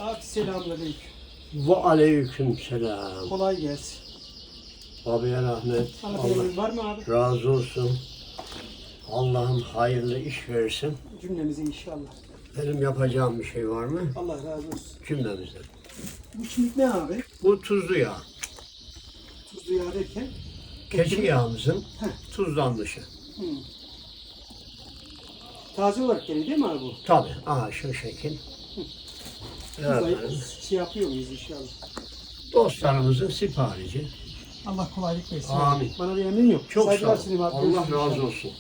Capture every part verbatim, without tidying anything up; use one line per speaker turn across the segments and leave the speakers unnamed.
Abi selamünaleyküm.
Ve aleyküm selam.
Kolay gelsin.
Abiye rahmet.
Anlatımımız var mı abi?
Allah razı olsun. Allah'ım hayırlı iş versin.
Cümlemize inşallah.
Benim yapacağım bir şey var mı?
Allah razı olsun.
Cümlemizden.
Bu şimdi ne abi?
Bu tuzlu yağ.
Tuzlu yağ derken?
Keçi yağımızın
Heh.
tuzlanmışı.
Hı. Taze olarak geliyor değil mi abi bu?
Tabii. Aha şu şekil.
Tuzlayıp
Evet.
şey yapıyor muyuz inşallah?
Dostlarımızın siparişi.
Allah kolaylık versin.
Amin.
Abi. Bana bir emin yok.
Çok sağ
Saygılar
ol.
sunayım abi.
Allah
Görüşürüz
razı
inşallah.
olsun.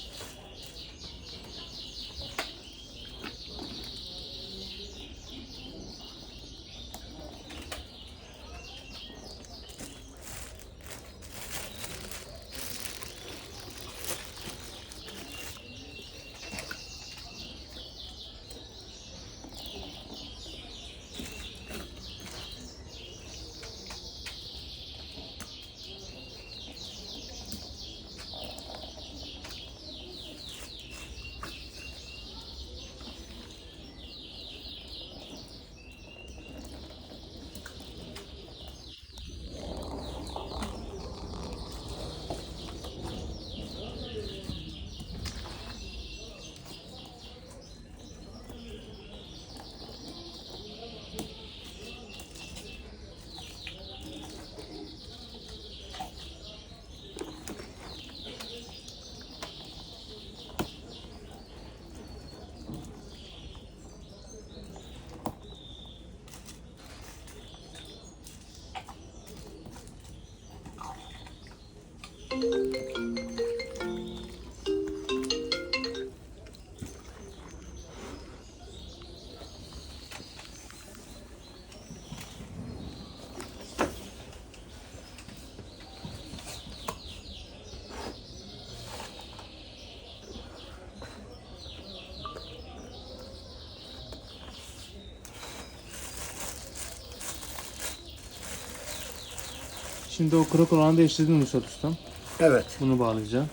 Şimdi o kırık olanı değiştirdin Nusret Ustam.
Evet.
Bunu bağlayacağım.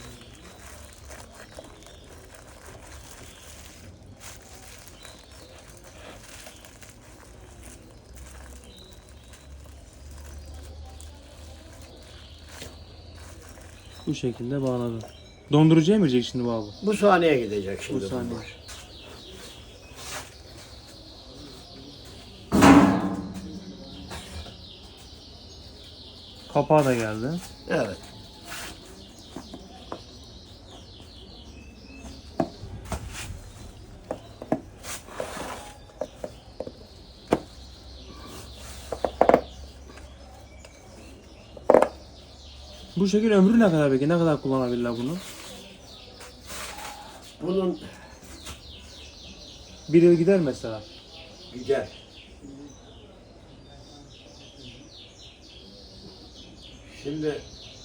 Bu şekilde bağladım. Dondurucuya mı girecek şimdi bu abi?
Bu sahneye gidecek şimdi.
Bu saniye.
bunlar.
Kapağı da geldi.
Evet.
Bu şekil ömrü ne kadar peki? Ne kadar kullanabilirler bunu?
Bunun
Bir yıl gider mesela.
gider. Şimdi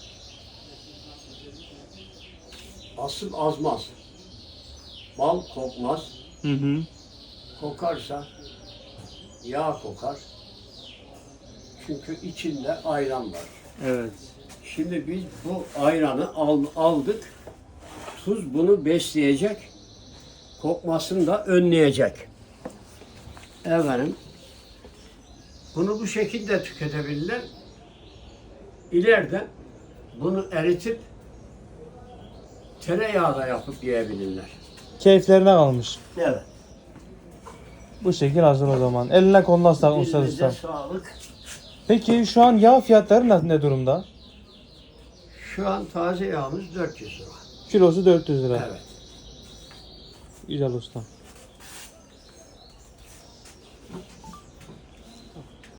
asıl azmaz. Bal kokmaz.
Hı hı.
Kokarsa yağ kokar. Çünkü içinde ayran var.
Evet.
Şimdi biz bu ayranı al- aldık. Tuz bunu besleyecek. Kokmasını da önleyecek. Efendim, bunu bu şekilde tüketebilirler. İleride bunu eritip tereyağı da yapıp yiyebilirler.
Keyiflerine kalmış.
Evet.
Bu şekil hazır o zaman. Eline koluna sağlık Nusret
Dilinize
Ustam.
sağlık.
Peki şu an yağ fiyatları ne, ne durumda?
Şu an taze yağımız dört yüz lira.
Kilosu dört yüz lira.
Evet.
Güzel ustam.